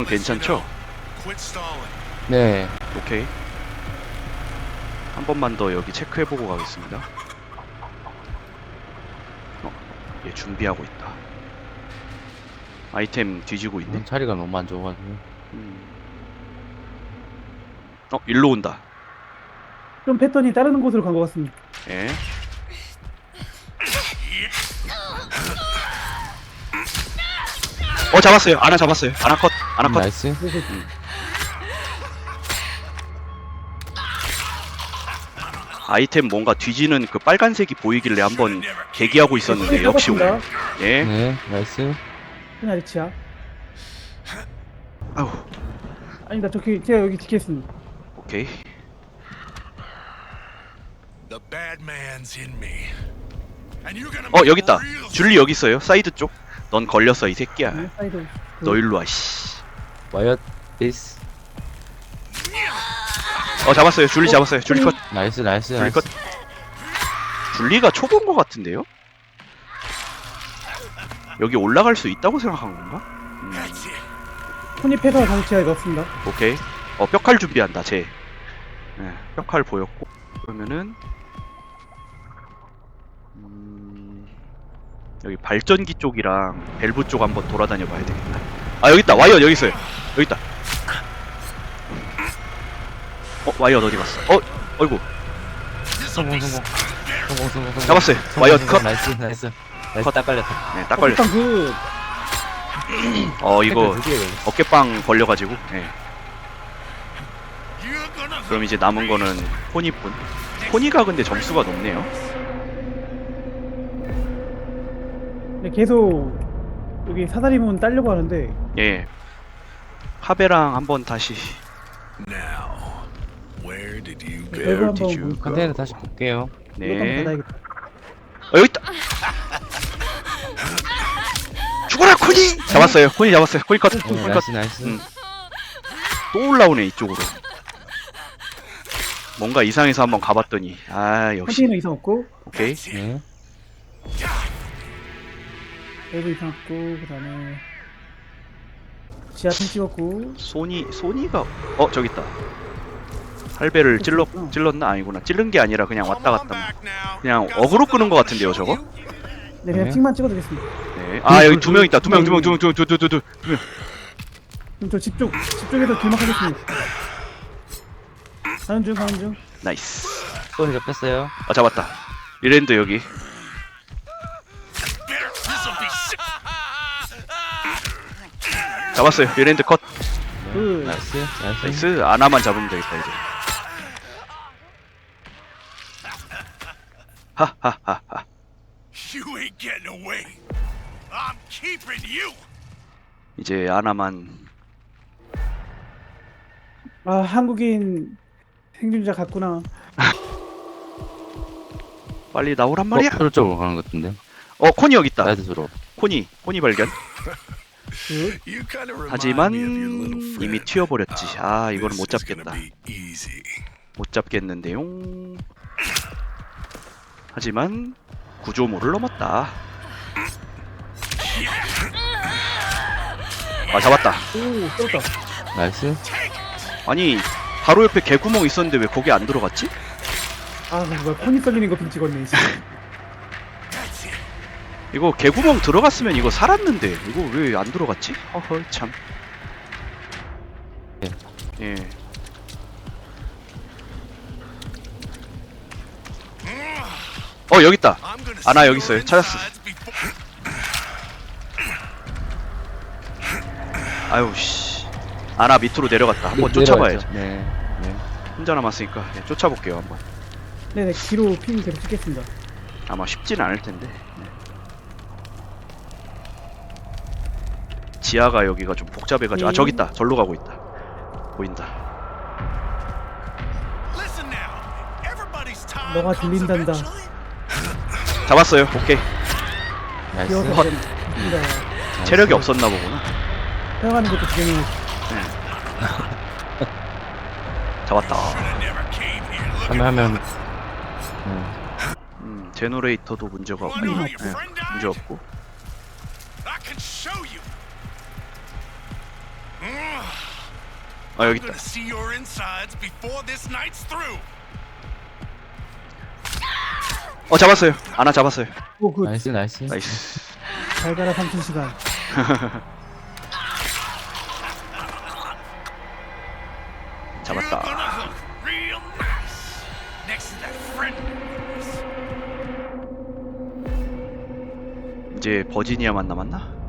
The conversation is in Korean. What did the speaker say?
괜찮죠? 네. 오케이. 한 번만 더 여기 체크해보고 가겠습니다. 얘 준비하고 있다. 아이템 뒤지고 있네. 자리가 너무 안 좋아가지고. 일로 온다. 좀 패턴이 다른 곳으로 간 것 같습니다. 예. 잡았어요. 아나 잡았어요. 아나 컷. 아나 컷. 나이스. 아이템 뭔가 뒤지는 그 빨간색이 보이길래 한번 대기하고 있었는데 역시 오네. 예. 네, 나이스. 그냥 리치야. 아우. 아니다, 제가 여기 지켰습니다. 오케이. 여기 있다. 줄리 여기 있어요. 사이드 쪽. 넌 걸렸어 이 새끼야. 네, 사이드. 너 일로 와 씨. 와이어 디스. 잡았어요. 줄리 잡았어요. 줄리 컷. 나이스, 나이스, 줄리 나이스. 컷. 줄리가 초보인 것 같은데요? 여기 올라갈 수 있다고 생각한 건가? 손이 패서 다시 제가 넣었습니다. 오케이. 뼈칼 준비한다. 쟤. 네, 뼈칼 보였고. 그러면은 여기 발전기 쪽이랑 밸브 쪽 한번 돌아다녀 봐야 되겠다. 여기 있다. 와이어 여기 있어요. 여기 있다. 와이어 어디 갔어? 어이구. 성공. 잡았어요. 와이어 컷. 나이스, 나이스. 컷. 딱 걸렸다. 네, 딱 걸렸어. 그 이거 어깨빵 걸려가지고. 네. 그럼 이제 남은 거는 포니뿐. 포니가 근데 점수가 높네요. 네, 계속 여기 사다리문 따려고 하는데 예. 하베랑 한번 다시. 밸브 한번 did you 볼까? 컨테이너 다시 볼게요. 이것도 한번 네. 닫아야겠다. 여기 있다. 죽어라 코니. 잡았어요. 코니 잡았어요. 코니 컷. 코니 컷. 나이스, 나이스. 또 올라오네 이쪽으로. 뭔가 이상해서 한번 가봤더니 역시. 컨테이너 이상 없고, 오케이. 네. 밸브 이상 없고, 그 다음에 지하층 찍었고. 소니가 저기 있다. 할배를 찔렀나? 아니구나. 찔른 게 아니라 그냥 왔다 갔다. 그냥 어그로 끄는 것 같은데요, 저거? 네, 그냥 네. 픽만 찍어두겠습니다. 네. 여기 두 명 있다. 두 명. 그럼 저 집중해서 길막하겠습니다. 가는 중. 나이스. 또 잡혔어요. 잡았다. 리랜드 여기. 잡았어요. 리랜드 컷. 그, 나이스, 나이스. 나이스. 아나만 잡으면 되겠다 이제. 하하하하. You ain't getting away. I'm keeping you. 이제 아나만. 한국인 생존자 같구나. 빨리 나오란 말이야. 서로 쪽으로 가는 것 같은데. 코니 여기 있다. 사이드 서로. 코니 발견. 그, You kind of 하지만 remind me of your little friend. 이미 튀어버렸지. 이거는 못 This is gonna 잡겠다. be easy. 못 잡겠는데요. 하지만 구조물을 넘었다. 잡았다. 오, 떴다. 나이스. 아니 바로 옆에 개구멍 있었는데 왜 거기 안 들어갔지? 뭐야, 펑이 썰리는 거 좀 찍었네, 지금. That's it. 이거 개구멍 들어갔으면 이거 살았는데 이거 왜 안 들어갔지? 허허 참. 예. 여기 있다. I'm gonna 아나 see 여기 있어요. your 찾았어. insides before- 아유 씨. 아나 밑으로 내려갔다. 한번 쫓아봐야죠. 네. 네. 혼자 남았으니까 쫓아볼게요 한번. 네네, 뒤로 핑 계속 찍겠습니다. 아마 쉽진 않을 텐데. 지하가 여기가 좀 복잡해가지고 저기 있다. 절로 가고 있다. 보인다. Listen now. Everybody's time 너가 comes 들린단다. eventually. 잡았어요. 오케이. 기어서 나이스. 헛. 됩니다. 체력이 없었나 보구나. 사용하는 것도 굉장히 잡았다. I never came here looking 하면 제너레이터도 문제가 없고. Wanna know 네, your friend 문제 died? 없고. I can show you. 아 여기 I'm 있다. gonna see your insides before this night's through. 잡았어요. 아나 잡았어요. 오, 굿. 나이스, 나이스. 나이스. 잘 가라 3,000시간. You're 잡았다. gonna look real nice next to that friend of yours. 이제 버지니아만 남았나?